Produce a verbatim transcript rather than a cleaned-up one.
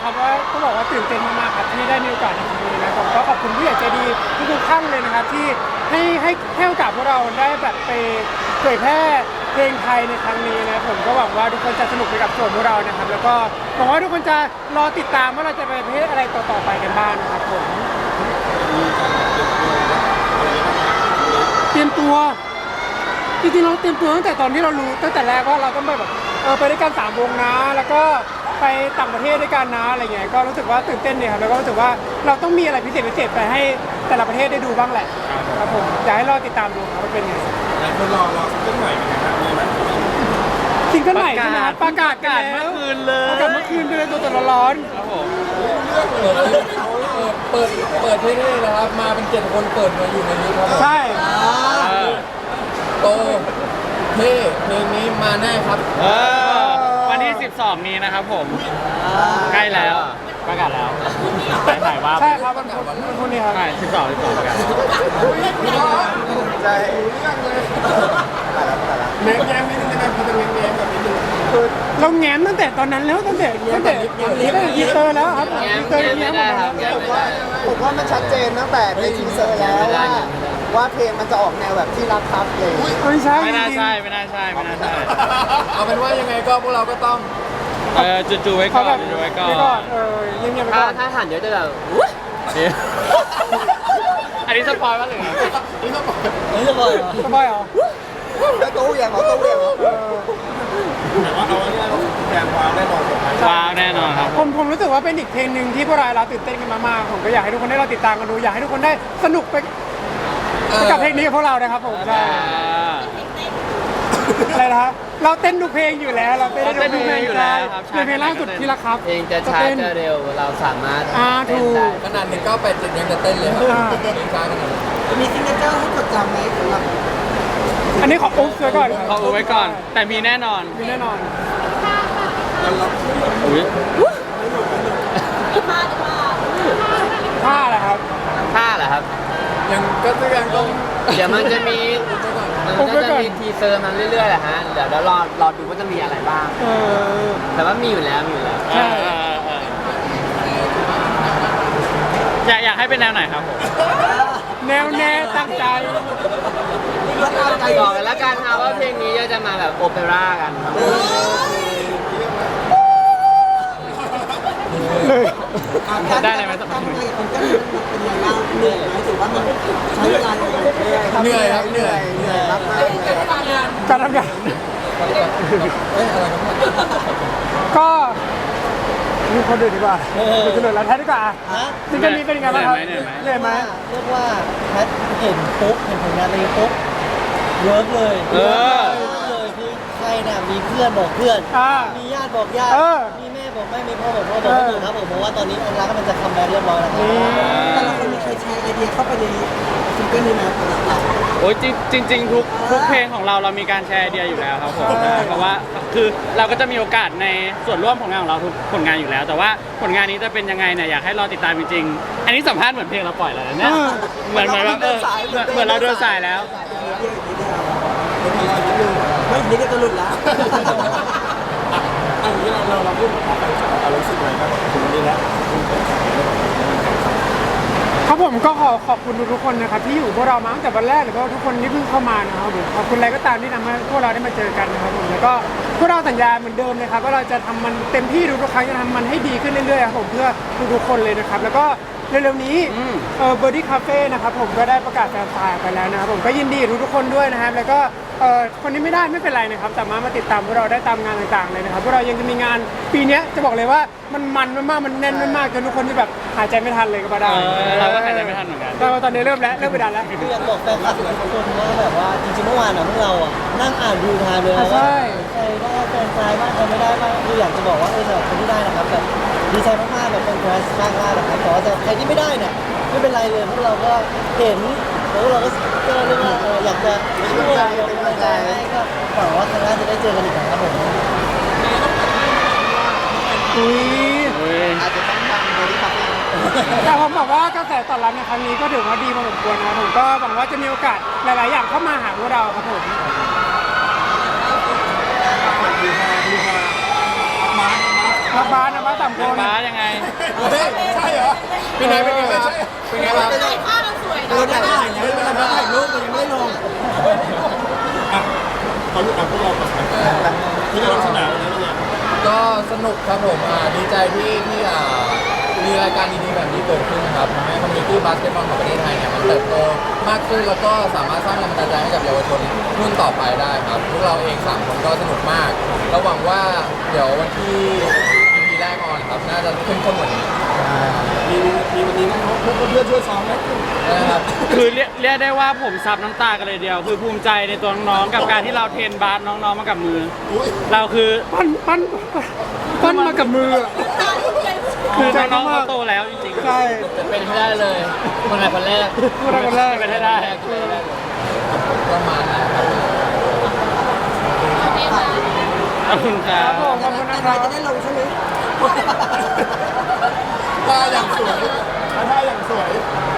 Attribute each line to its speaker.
Speaker 1: ครับว่าก็บอกว่าตื่นเต้นมากๆครับที่ได้มีโอกาสในครั้งนี้นะผมก็ขอบคุณผู้ใหญ่ใจดีทุกๆท่านเลยนะครับที่ให้ให้ให้โอกาสพวกเราได้แบบไปเผยแพร่เพลงไทยในครั้งนี้นะผมก็หวังว่าทุกคนจะสนุกไปกับส่วนพวกเรานะครับแล้วก็หวังว่าทุกคนจะรอติดตามว่าเราจะไปประเภทอะไรต่อๆไปกันบ้างนะครับผมเตรียมตัวจริงๆเราเตรียมตัวตั้งแต่ตอนที่เรารู้ตั้งแต่แรกว่าเราต้องไปแบบเออไปด้วยกันสามวงนะแล้วก็ไปต่างประเทศด้วยกันนะอะไรเงี้ยก็รู้สึกว่าตื่นเต้นเนี่ยครับแล้วก็รู้สึกว่าเราต้องมีอะไรพิเศษพิเศษไปให้แต่ละประเทศได้ดูบ้างแหละครับผมอยากให้รอติดตามดูครับว่าเป็นไง
Speaker 2: หลายคนรอรอซิงเกิลใหม่เป็นไงครับมีไหม
Speaker 1: ซิงเกิลใหม่ใช่ไหมครับประกาศกันแล้ว
Speaker 3: เมื่อคืนเลย
Speaker 1: ประกาศเมื่อคืนไปเลยตัวตัวร้อน
Speaker 3: ครับผม
Speaker 4: เปิดเปิดเท่ๆนะครับมาเป็นเจ็ดคนเปิดมาอยู่ในนี้ครับผม
Speaker 1: ใช่
Speaker 4: โตเท่เพลงนี้มาแน่ครับ
Speaker 3: เออวันที่สิบสองนี้นะครับผมใกล้แล้วประกาศแล้วไปถ่ายว่า
Speaker 1: ใช่ครับมันมันมันคนนี้ครับ
Speaker 3: ใช่สิบสองสิบสองประกาศ
Speaker 2: ใจเรื่องเลยแง้มแง้มนิดนึงได้ไหมพอจะแง้มแง้มแบบนิดนึง
Speaker 1: คือเราแง้มตั้งแต่ตอนนั้นแล้วตั้งแต่ตั้งแต่ตั้งแต่ทีเซอร์แล้วครับทีเซอร์แง้มหมดแล้ว
Speaker 5: ผมว่าผมว่ามันชัดเจนตั้งแต่ในทีเซอร์แล้วว่าว่าเพลงมันจะออกแนวแบบที่รักครับเลย
Speaker 1: ไม่ใช่
Speaker 3: ไม่น่า
Speaker 1: จริง
Speaker 3: ใช่ไม่น่าใช่ไม่น่าใช่
Speaker 4: เอาเป็นว่ายังไงก็พวกเราก็ต้อง
Speaker 3: เออจู่ๆไว้ก่
Speaker 1: เขา
Speaker 3: อน
Speaker 1: แบบ
Speaker 3: จู่ๆไว้ก่อ
Speaker 1: ไว้ก่อน นเออเงียบๆไป
Speaker 6: ถ้า
Speaker 1: ก่อน
Speaker 6: ถ้าหันเดี๋ยวจะแบบ
Speaker 3: เดี๋ยวอันนี้สปอยล์ป่ะหรือไง
Speaker 4: นี่ก็บอก
Speaker 6: เฮ้ยจะบอกเหรอ
Speaker 1: สบายเหรอ
Speaker 5: แล้วตู้ยังเหรอตู้ยังเหรอ
Speaker 1: เออ
Speaker 2: แต่ว่าเอาไว้เนี่ยแฟนวางแน่นอนสุดท้าย
Speaker 3: ว้าวแน่นอนครับ
Speaker 1: ผมผมรู้สึกว่าเป็นอีกเพลงหนึ่งที่พวกเราเราตื่นเต้นกันมากๆผมก็อยากให้ทุกคนได้เราติดตามกันดูอยากให้ทุกคนได้สนุกไปไปกับเพลงนี้กับพวกเรานะครับผมใช่
Speaker 3: อ่า
Speaker 1: อะไรนะฮะเราเต้นทุกเพลงอยู่แล้วเราเต้นได้ทุกเพลง
Speaker 3: เราเต้นอยู่แล้วครับใช่
Speaker 1: ในเพลงล่าสุดที่รักครับ
Speaker 6: เพลงจะช้าจะเร็วเราสามารถ
Speaker 1: อ่า
Speaker 6: เต้น
Speaker 1: ถูก
Speaker 6: ได้
Speaker 4: ขนาดหนึ่งเก้าแปดเจ็ดยังจะเต้นเลยครับ
Speaker 1: อ่า
Speaker 4: เพลงช้าขนาดนั้น
Speaker 5: มีซิงเกิลให้จดจำไหมสำหรับ
Speaker 1: อันนี้ขออุ๊บไว้ก่อนครับ
Speaker 3: เขาเอาไว้ก่อน แต่มีแน่นอน
Speaker 1: มีแน่นอน
Speaker 3: อุ้ย
Speaker 1: ผ้าแหละครับ
Speaker 6: ท่าเหรอครับ
Speaker 4: ยังก็ยังต้อง
Speaker 6: เดี๋ยวมันจะมีมันก็จะมีทีเซอร์มันเรื่อยๆแหละฮะเดี๋ยวเรารอรอดูว่าจะมีอะไรบ้าง
Speaker 1: เออ
Speaker 6: แต่ว่ามีอยู่แล้วมีอยู่แล้ว
Speaker 1: ใช่
Speaker 3: เออเออเอออยากอยากให้เป็นแนวไหนครับผม
Speaker 1: แนวแน่ตั้งใจ
Speaker 6: บอกกันแล้วกันครับว่าเพลงนี้จะมาแบบโอเปร่ากันครับ
Speaker 1: เลย
Speaker 3: ได้เลยไหมสัก
Speaker 5: การทำงานกับคนก็เป็นยังไงบ้างเหนื่อยไหมถือว่ามันใช้เวลาอย่างไร
Speaker 4: เหนื่อยครับเหนื่อย
Speaker 5: เหนื่อยมากมาก
Speaker 1: การทำงาน
Speaker 4: เอ้ยอะไรครับ
Speaker 1: ก็มีคนอื่นดีกว่าคุณเฉลยแล้วแท้ดีกว่าซิงเกิลนี้เป็นยังไงบ้างครับเหนื่อยไหม
Speaker 5: เรียกว่าแพทเห็นปุ๊บเห็นผลงานเลยปุ๊บเวิร์กเลย
Speaker 3: เออ
Speaker 5: เลยคือใครน่ะมีเพื่อนบอกเพื่อน
Speaker 1: อ่า
Speaker 5: มีญาติบอกญาติ
Speaker 1: เออ
Speaker 5: มีแม่บอกแม่มีพ่อบอกพ่อบอกไม่ถูกครับผมเพราะว่าตอนนี้อันรักก็มันจะคัมแบ็กเรียบร้อยแล้วครับแต่ละคนมีใครแชร์ไอเดียเข้าไปในซิงเกิลนี้ไหมสำหรับเรา
Speaker 3: โอ้ยจริงจริงๆทุกทุกเพลงของเราเรามีการแชร์ไอเดียอยู่แล้วครับผมใช่เพราะว่าคือเราก็จะมีโอกาสในส่วนร่วมผลงานของเราทุกผลงานอยู่แล้ว แต่ว่าผลงานนี้จะเป็นยังไงเนี่ยอยากให้รอติดตามจริงๆอันนี้สัมภาษณ์เหมือนเพลงเราปล่อยแล้วนะเนี่ยเหมือนเหมือนแบบเออเหมือนเราเดินสายแล้ว
Speaker 5: ไม่นี่ก็จะหลุดแล้ว
Speaker 2: อันนี้เราเราพูดเอารู้สึกอะไรบ้างถึงนี้แล้ว
Speaker 1: ครับผมก็ขอขอบคุณทุกๆคนนะครับที่อยู่พวกเรามาตั้งแต่วันแรกหรือว่าทุกคนที่เพิ่งเข้ามานะครับผมขอบคุณอะไรก็ตามที่ทำให้พวกเราได้มาเจอกันนะครับผมแล้วก็พวกเราสัญญาเหมือนเดิมนะครับว่าเราจะทำมันเต็มที่ทุกๆครั้งจะทำมันให้ดีขึ้นเรื่อยๆครับผมเพื่อทุกๆคนเลยนะครับแล้วก็เร็วๆนี้เออเบอร์ดี้คาเฟ่นะครับผมก็ได้ประกาศแฟนไซน์ไปแล้วนะครับผมก็ยินดีกับทุกๆคนด้วยนะครับแล้วก็เออคนที่ไม่ได้ไม่เป็นไรนะครับสามารถมาติดตามพวกเราได้ตามงานต่างๆเลยนะครับพวกเรายังจะมีงานปีนี้จะบอกเลยว่ามันมันมากๆมันแน่นมากๆจนทุกคนที่แบบหายใจไม่ทันเลยก็ว่าได้
Speaker 3: เออเราก็หายใจไม่ทันเหมือนกัน
Speaker 1: แต่ว่าตอนนี้เริ่มแล้วเริ่มไปดันแล้ว
Speaker 5: คืออยากบอกแฟนคลับทุกคนว่าแบบว่าจริงๆเมื่อวานอ่ะพวกเราอ่ะนั่งอ่านดูไทม์เลยนะว่าใครได้แฟนไซน์บ้างใครไม่ได้บ้างคืออยากจะบอกว่าเออสำหรับคนที่ได้นะครับแบบดีใจมากๆแบบเป็นแคสมากๆนะครับแต่ว่าใครที่ไม่ได้เนี่ยไม่เป็นไรเลยพวกเราก็เห็นแล้วเราก็ก็เรียกว่าเอออยากจะช่วยเป็นกำลังใจให้ก็หวังว่าครั้งหน้าจะได้เจอกันอีกนะครับผม
Speaker 1: อุ้ย
Speaker 3: อุ้ย
Speaker 5: อาจจะต้องทำโดยที่ครับ
Speaker 1: แต่ผมบอกว่ากระแสตอบรับในครั้งนี้ก็ถือว่าดีพอสมควรนะครับผมก็หวังว่าจะมีโอกาสหลาย ๆ อย่างเข้ามาหาพวกเราครับผม
Speaker 2: ดูมาดูมามามา
Speaker 1: รักบ้านนะบ้านสามค
Speaker 3: น้อง
Speaker 1: น
Speaker 3: บ้าสยังไง
Speaker 2: เฮ้ยใช่เหรอ
Speaker 4: เป็นไงเป็นไงครับเป็นไงครับ
Speaker 5: เราได้ถ่ายแล้วเราได้ถ่ายรูปแต่ยังไม่ได้ลง
Speaker 2: อ่ะขอรู้อ่ะพวกเราก่อนนะที่เราสนามวันนี้เป็นไง
Speaker 4: ก็สนุกครับผมอ่าดีใจที่ที่อ่ามีรายการดีๆแบบนี้เกิดขึ้นนะครับทำให้คอมมูนิตี้บาสเกตบอลของประเทศไทยเนี่ยมันเติบโตมากขึ้นแล้วก็สามารถสร้างแรงบันดาลใจให้กับเยาวชนรุ่นต่อไปได้ครับพวกเราเองสามคนก็สนุกมากแล้วหวังว่าเดี๋ยววันที่ อี พี แรกออนครับน่าจะเข้มข้นกว่านี้
Speaker 2: มีมีวันนี้น้องๆเพื่อนๆช่วยซ้อมไหม
Speaker 4: นะครับ
Speaker 3: คือเรียกเรียกได้ว่าผมซับน้ำตากันเลยเดียว คือภูมิใจในตัวน้องๆกับการที่เราเทรนบาสน้องๆมากับมือ
Speaker 2: อุ้ย
Speaker 3: เราคือ
Speaker 1: ปั้นปั้นปั้นมากับมืออะ
Speaker 3: คือ
Speaker 1: ใจ
Speaker 3: น้องๆ
Speaker 1: มาก
Speaker 3: เขาโตแล้วจริงๆ
Speaker 1: ใช่
Speaker 6: จะเป็นให้ได้เลยคนไหนคนแรก
Speaker 1: พูดอะไรกันแรก
Speaker 3: เป็นให้ได้
Speaker 4: ประมาณนั้นครับ
Speaker 3: ขอบคุณครั
Speaker 1: ครับ บผมขอบคุณนะครับ
Speaker 5: จะได้ลงใช่ไหม
Speaker 2: ท่าอย่างสวยท่าอย่างสวย